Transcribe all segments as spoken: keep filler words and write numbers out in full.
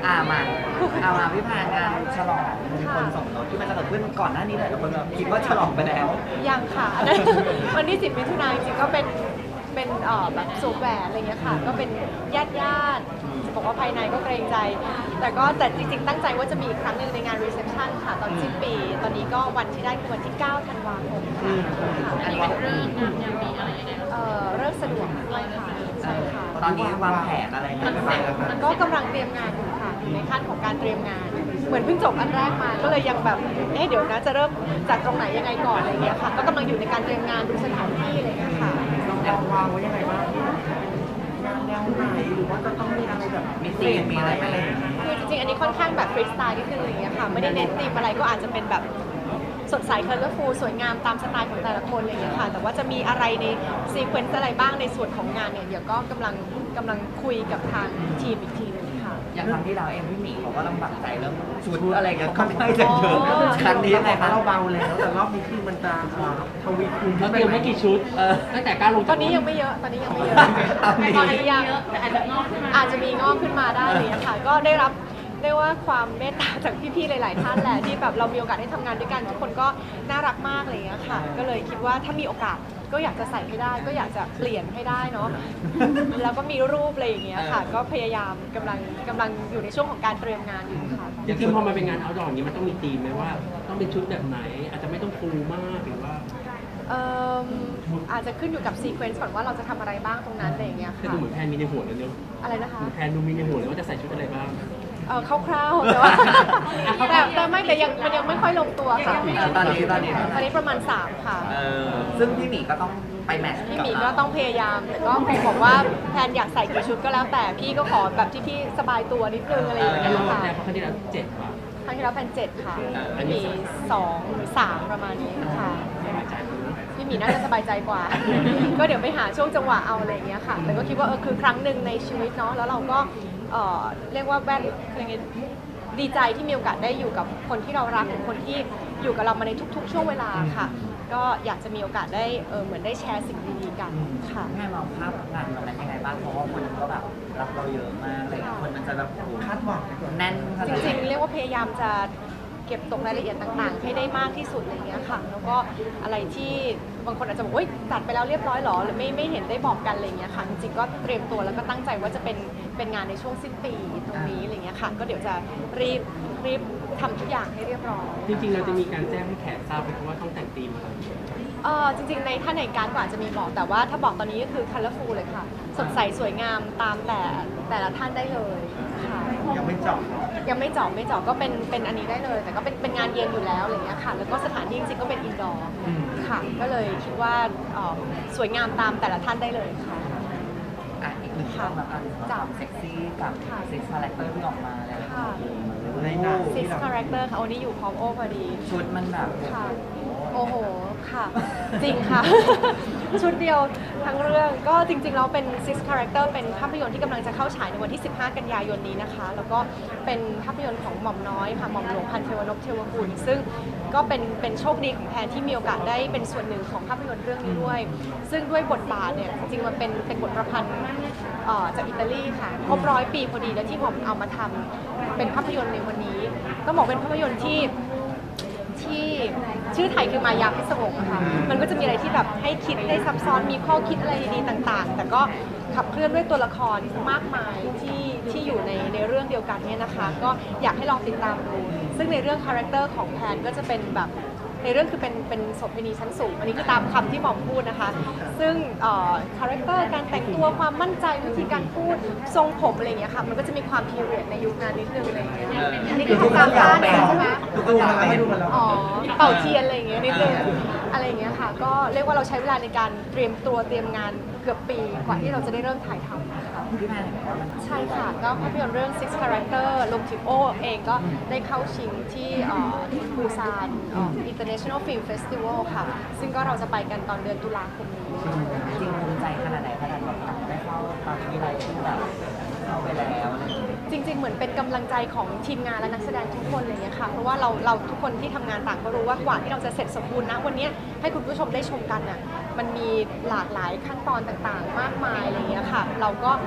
อ่ามาเอามาพี่พางานฉลองมงคลสมรสที่มันจะเกิดขึ้นก่อนหน้านี้หลายคนแบบคิดว่าฉลองไปแล้วยังค่ะอันนั้นวันที่สิบมิถุนายนจริงๆก็เป็นเป็นเอ่อแบบสวมแหวนอะไรเงี้ยค่ะก็เป็นญาติญาติจะบอกว่าภายในก็เกรงใจ แต่ก็แต่จริงๆตั้งใจว่าจะมีอีกครั้งหนึ่งในงานรีเซพชันค่ะตอนสิ้นปีตอนนี้ก็วันที่ได้คือวันที่เก้าธันวาคมค่ะอันนี้เป็นเรื่องงานยังมีอะไรยังไงเอ่อเริ่มสะดวกด้วยค่ะใช่ค่ะตอนนี้วางแผนอะไรกันบ้างคะก็กำลังเตรียมงานอยู่ค่ะอยู่ในขั้นของการเตรียมงาน เหมือนเพิ่งจบอันแรกมาก็เลยยังแบบเอ๊ะเดี๋ยวนะจะเริ่มจากตรงไหนยังไงก่อนอะไรเงี้ยค่ะก็กำลังอยู่ในการเตรียมงานดูสถานที่อะไรเงี้ยค่ะเราวางไว้ยังไงบ้างงานแนวไหนหรือว่าจะต้องมีอะไรแบบมีธีมมีอะไรไหมคือจริงๆอันนี้ค่อนข้างแบบฟรีสไตล์นิดนึงอะไรเงี้ยค่ะไม่ได้เน้นธีมอะไรก็อาจจะเป็นแบบสดใสเคอร์เลอร์ฟูลสวยงามตามสไตล์ของแต่ละคนอะไรอย่างเงี้ยค่ะแต่ว่าจะมีอะไรในซีเควนซ์อะไรบ้างในส่วนของงานเนี่ยเดี๋ยวก็กำลังกำลังคุยกับทางทีมอีกทีนึงค่ะอย่างครั้งที่เราเองพี่หมีเขาก็ลำบากใจเรื่องชุดอะไรกันค่อนข้างจะเยอะครั้งนี้ยังไงคะเราเบาแล้วแต่รอบนี้คือมันจะทวีคูณเขาเตรียมให้กี่ชุดตั้งแต่ก้าวลงตอนนี้ยังไม่เยอะตอนนี้ยังไม่เยอะตอนนี้ยังแต่อาจจะงอกขึ้นมาอาจจะมีงอกขึ้นมาได้เลยค่ะก็ได้รับเรียกว่าความเมตตาจากพี่ๆหลายๆท่านแหละที่แบบเรามีโอกาสได้ทำงานด้วยกันทุกคนก็น่ารักมากอะไรอย่างเงี้ยค่ะก็เลยคิดว่าถ้ามีโอกาสก็อยากจะใส่ให้ได้ก็อยากจะเปลี่ยนให้ได้เนาะแล้วก็มีรูปอะไรอย่างเงี้ยค่ะก็พยายามกำลังกำลังอยู่ในช่วงของการเตรียมงานอยู่ค่ะอย่างที่พอมาเป็นงานเอาท์ดอร์อย่างนี้มันต้องมีธีมไหมว่าต้องเป็นชุดแบบไหนอาจจะไม่ต้องฟูมากหรือว่าเอ่ออาจจะขึ้นอยู่กับซีเควนซ์ก่อนว่าเราจะทำอะไรบ้างตรงนั้นอะไรอย่างเงี้ยค่ะดูเหมือนแพนมีในหัวแล้วเนาะอะไรนะคะแพนดูมีในหัวแล้วว่าจะใส่ชุดอะไรบ้างเออคร่าวๆแต่ว่าแต่แต่ไม่แต่ยังมันยังไม่ค่อยลงตัวค่ะตอนนี้ตอนนี้ตอนนี้ประมาณสามค่ะเออซึ่งพี่หมีก็ต้องไปแมทช์พี่หมีก็ต้องพยายามแต่ก็คงบอกว่าแพนอยากใส่กี่ชุดก็แล้วแต่พี่ก็ขอแบบที่พี่สบายตัวนิดนึงอะไรอย่างเงี้ยค่ะแต่ครั้งที่แล้วเจ็ดว่ะครั้งที่แล้วแพนเจ็ดค่ะมีสองหรือสามประมาณนี้ค่ะพี่หมีน่าจะสบายใจกว่าก็เดี๋ยวไปหาช่วงจังหวะเอาอะไรอย่างเงี้ยค่ะแต่ก็คิดว่าเออคือครั้งหนึ่งในชีวิตเนาะแล้วเราก็เอ่อเรียกว่าแวดยังไงดีใจที่มีโอกาสได้อยู่กับคนที่เรารักคนที่อยู่กับเรามาในทุกๆช่วงเวลาค่ะก็อยากจะมีโอกาสได้เออเหมือนได้แชร์สิ่งดีๆกันค่ะแม่มองภาพงานวันนั้นยังไงบ้างเพราะว่าคนก็แบบรักเราเยอะมากเลยคนมันจะแบบคาดหวังแน่นจริงๆเรียกว่าพยายามจะเก็บตกรายละเอียดต่างๆให้ได้มากที่สุดอะไรอย่างเงี้ยค่ะแล้วก็อะไรที่บางคนอาจจะบอกว่าจัดไปแล้วเรียบร้อยหรอหรือไม่ไม่เห็นได้บอกกันอะไรอย่างเงี้ยค่ะจริงๆก็เตรียมตัวแล้วก็ตั้งใจว่าจะเป็นเป็นงานในช่วงสิ้นปีตรงนี้อะไรเงี้ยค่ะก็เดี๋ยวจะรีบรีบทำทุกอย่างให้เรียบร้อยจริงๆเราจะมีการแจ้งให้แขกทราบไหมว่าต้องแต่งธีมอะไรเออจริงๆในถ้าในการก็อาจจะมีบอกแต่ว่าถ้าบอกตอนนี้ก็คือ colorful เลยค่ะสดใสสวยงามตามแต่แต่ละท่านได้เลยค่ะยังไม่จบยังไม่เจาะไม่เจาะก็เป็นเป็นอันนี้ได้เลยแต่ก็เป็นเป็นงานเย็นอยู่แล้วอะไรเงี้ยค่ะแล้วก็สถานที่จริงๆก็เป็นอินดอร์ค่ะก็เลยคิดว่าสวยงามตามแต่ละท่านได้เลยค่ะอ่ะอีกหนึ่งเรื่องละกันจับเซ็กซี่กับซิกคาแรคเตอร์ที่ออกมาแล้วในหนังซิกคาแรคเตอร์ค่ะโอ้นี่อยู่พร้อมโอ้พอดีชุดมันแบบค่ะโอ้โหค่ะจริงค่ะชุดเดียวทั้งเรื่องก็จริงๆแล้วเป็น Six Character เป็นภาพยนตร์ที่กำลังจะเข้าฉายในวันที่สิบห้ากันยายนนี้นะคะแล้วก็เป็นภาพยนตร์ของหม่อมน้อยค่ะหม่อมหลวงพันเทวนพเทวกุลซึ่งก็เป็นเป็นโชคดีของแพนที่มีโอกาสได้เป็นส่วนหนึ่งของภาพยนตร์เรื่องนี้ด้วยซึ่งด้วยบทบาทเนี่ยจริงๆมันเป็นเป็นบทประพันธ์จากอิตาลีค่ะครบร้อยปีพอดีแล้วที่หม่อมเอามาทำเป็นภาพยนตร์ในวันนี้ต้องบอกเป็นภาพยนตร์ที่ที่ชื่อไทยคือมายาพิศวงค่ะมันก็จะมีอะไรที่แบบให้คิดได้ซับซ้อนมีข้อคิดอะไรดีๆต่างๆแต่ก็ขับเคลื่อนด้วยตัวละครมากมายที่ที่อยู่ในในเรื่องเดียวกันเนี่ยนะคะก็อยากให้ลองติดตามดูซึ่งในเรื่องคาแรคเตอร์ของแพนก็จะเป็นแบบในเรื่องคือเป็นเป็นโสเภณีชั้นสูงอันนี้คือตามคำที่หมอมพูดนะคะซึ่งคาแรคเตอร์การแต่งตัวความมั่นใจวิธีการพูดทรงผมอะไรอย่างเงี้ยค่ะมันก็จะมีความพีเรียดในยุคนั้นนิดนึงอะไรอย่างเงี้ยอันนี้คือตามบ้านใช่ไหมอ๋อเป่าเทียนอะไรอย่างเงี้ยนิดนึงอะไรอย่างเงี้ยค่ะก็เรียกว่าเราใช้เวลาในการเตรียมตัวเตรียมงานเกือบปีกว่าที่เราจะได้เริ่มถ่ายทำค่ะใช่ค่ะก็ภาพยนตร์เรื่อง Six Character รวมถึงโอเองก็ได้เข้าชิงที่ปูซาน International Film Festival ค่ะซึ่งก็เราจะไปกันตอนเดือนตุลาคมนี้จริงภูมิใจขนาดไหนขนาดแบบได้เข้าตอนที่ไรที่แบบเข้าไปแล้วจริงๆเหมือนเป็นกำลังใจของทีมงานและนักแสดงทุกคนอะไรเงี้ยค่ะเพราะว่าเราเราทุกคนที่ทำงานต่างก็รู้ว่ากว่าที่เราจะเสร็จสมบูรณ์นะวันนี้ให้คุณผู้ชมได้ชมกันน่ะมันมีหลากหลายขั้นตอนต่างๆมากมายอะไรเงี้ยค่ะเราก็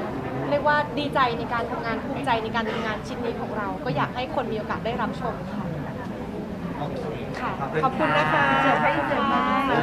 เรียกว่าดีใจในการทำงานภูมิใจในการทำงานชิ้นนี้ของเรา ก็อยากให้คนมีโอกาสได้รับชมค่ะโอเคค่ะ ขอบคุณนะคะขอบคุณค่ะ